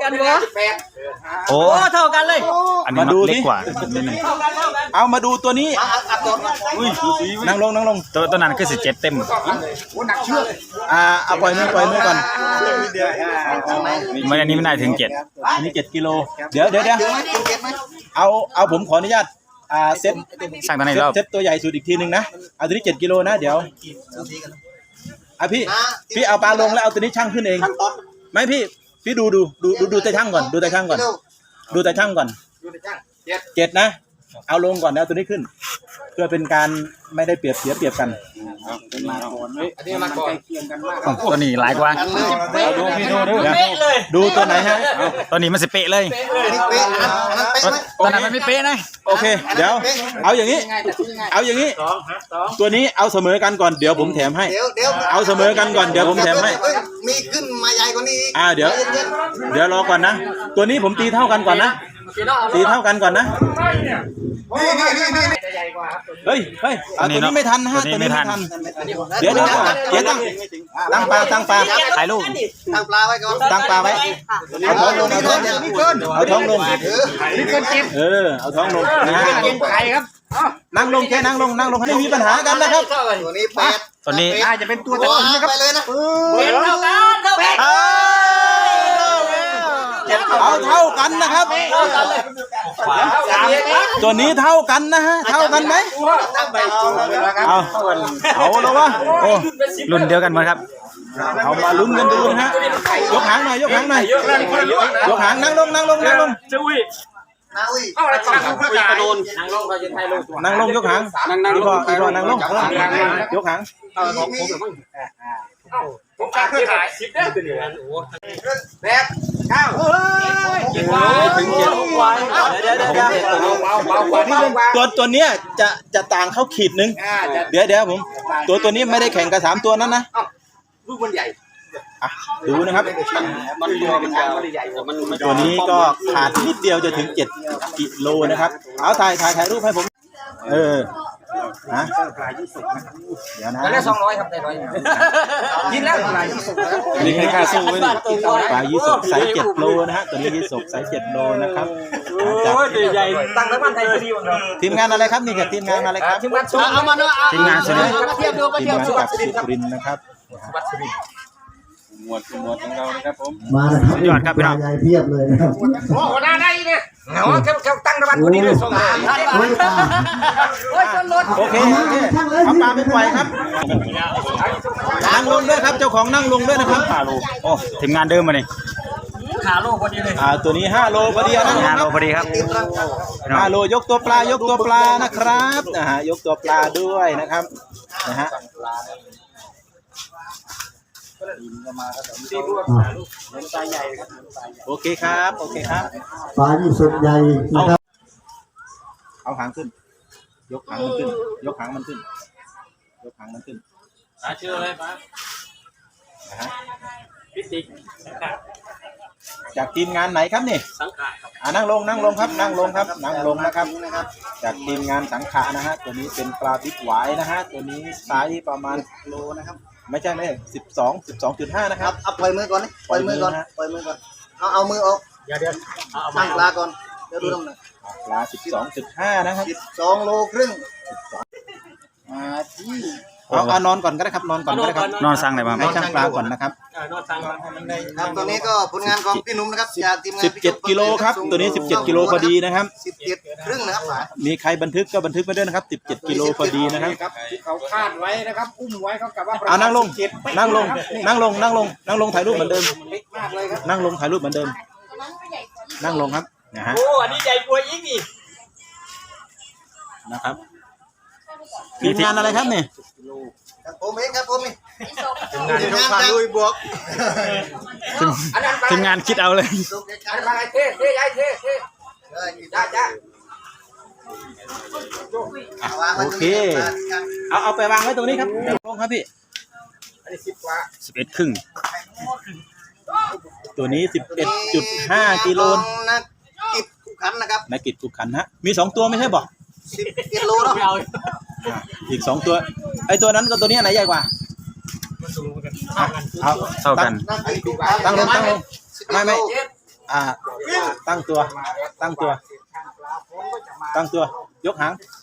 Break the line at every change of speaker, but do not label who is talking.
กันเหรอ
โอ้
เท่ากันเลย
อันนี้ดูเล็กกว่า
เอามาดูตัวนี้นั่งลง
ตัวนั้นคือ17เต็ม
เอาปล่อยมือก่อน
มันอันนี้ไม่ได้ถึง7
อันนี้7 กิโลเดี๋ยวเอาผมขออนุญาตเซ็ต
สั่งตัวไหนรอบ
เซ็ตตัวใหญ่สุดอีกทีนึงนะเอาตัวนี้7 กิโลนะเดี๋ยวพี่เอาปลาลงแล้วเอาตัวนี้ช่างขึ้นเองไม่พี่ดูแต่ช่างก่อนดูแต่ช่างก่อน7นะเอาลงก่อนแล้วตัวนี้ขึ้นเพื่อเป็นการไม่ได้เปรียบเสียเปรียบกัน
ตัวนี้หลายกว่า
ดูตัวไหนฮะ
ตัวนี้มันสิเป๊ะเลยตัวนั้นมันไม่เป๊ะนะ
โอเคเดี๋ยวเอาอย่างนี้ตัวนี้เอาเสมอกันก่อนเดี๋ยวผมแถมให้เอาเสมอกันก่อนเดี๋ยวผมแถมให้
มีขึ้นมาใหญ่กว่านี้
เดี๋ยวรอก่อนนะตัวนี้ผมตีเท่ากันก่อนนะตีเท่ากันก่อนนะเฮ้ยตัวนี้ไม่ทันฮะตัวนี้ไม่ทันเดี๋ยวตั้งปลา
ถ่ายรูป
ตั้งปลาไว้ก่อน
ตั้งปลาไว้เอาท้องลงเอาท้องลงเอาท้องลงนะนั่งลงแค่นั่งลงไม่มีปัญหากันนะครับ
ตัวนี้
ตัวนี้
จะเป็นตัวตะกุนนะครับ
ไปเลยนะ
เอาเท่ากันนะครับตัวนี้เท่ากันนะฮะเท่ากันไหมเอาแล้ววะโอ้
รุ่นเดียวกันหมดครับ
เอามาลุ้นกันดูนะฮะยกหางหน่อยยกหางนั่งลง
จะอุ้ยเอาอะไรตั้งลูกกระโดน
นั่งลงยกหางอีกพอนั่งลงยกหาง
ผมการขาย10ได้ตัวนี้
8 9
ถึง7ตัวเนี้ยจะต่างเข้าขีดนึงเดี๋ยวผมตัวนี้ไม่ได้แข่งกับ3ตัวนั้นนะ
ลูกมันใหญ่
ดูนะครับตัวนี้ก็ขาดนิดเดียวจะถึง7 กิโลนะครับเอาถ่ายรูปให้ผมนะเดี๋ยวนะ
ได้200ครับได้100กินแล้วปลายี่สก
นี่ให้ค่าสู้ไว้ปลายี่สกไซส์7 โลนะฮะตัวนี้ยี่สกไซส์7 โลนะครับ
ใหญ่ตั้งน้ำมันไทยดีของเรา
ทีมงานอะไรครับนี่กับทีมงานอะไรครับ
ทีมงานเอามาเนาะ
ทีมงานสุรินทร์
กับสุรินทร์นะครับหมวดของเรานะครับผม
มานะครับ
ยอดครับพี่น้อง
ใหญ่เพียบเลยนะครับ
โอ้โหน่าได้เนี่ยเขาตั้งน้ำมันคนนี้เลย2,000
โอเคเอาปลาไปปล่อยครับนั่งลงด้วยครับเจ้าของนั่งลงด้วยนะครับ
โอ้ทีมงานเดิมมานี่
5 โลพอดีเลย
ตัวนี้5 โลพอดีนะ
5 โลพอดีครับ
5 โลยกตัวปลนะครับยกตัวปลาด้วยนะครับนะฮะโอเคครับ
ปลายี่สกใหญ่นะครับ
เอาหางขึ้นยกหางมันขึ้น
ชื่ออะไรปะพิติก
จากทีมงานไหนครับนี่
สังขะ
นั่งลงครับนั่งลงนะครับจากทีมงานสังขะนะฮะตัวนี้เป็นปลาพริกหวายนะฮะตัวนี้ไซส์ประมาณ
โลนะครับ
ไม่ใช่12.5นะครับ
เอาปล่อยมือก่อนปล่อยมือก่อนเอามือออก
เดี๋ยว
ตั้งปลาก่อนเดี๋ยวดูน้ำหนัก
ปลา 12.5 นะครับ
12 โลครึ่ง
ที่เอานอนก่อนก็ได้ครับนอน
สั่งไหนมา
ให้ช่างปลาก่อนนะครับ
นอนสั่ง
ครับตัวนี้ก็ผลงานของพี่หนุ่มนะครับจากทีมงาน
17 กิโลครับตัวนี้17 กิโลพอดีนะครับ
17 ครึ่งนะครับ
มีใครบันทึกก็บันทึกไปด้วยนะครับ17 กิโลพอดีนะครับ
ที่เขาคาดไว้นะครับอุ้มไว้เขากลับว่า
นั่งลงถ่ายรูปเหมือนเดิมนั่งลงถ่ายรูปเหมือนเดิมนั่งลงครับนะฮะ
โอ้อันนี้ใหญ่กว่าอีกนี่
นะครับทีมงานอะไรครับเนี่ย
ผมเองครับผม
ทีมงานลุยบวก
ทีมงานคิดเอาเลย
อะไรเท่ใหญ่เท่จ้า
โอเคเอาไปวางไว้ตรงนี้ครับลงครับพี่
อันนี้10 กว่า
11 ครึ่ง
ตัวนี้ 11.5 กิโล
นักกิจขุขันนะครับ
นักกิจขุขันฮะมี2 ตัวไม่ใช่บอก
10 กิโลเนาะ
อีก2 ตัวไอตัวนั้นกับตัวนี้ไหนใหญ่กว่า
เท่ากัน
ตั้งลงไม่ตั้งตัว ตั้งตัว ตั้งตัว ยกหาง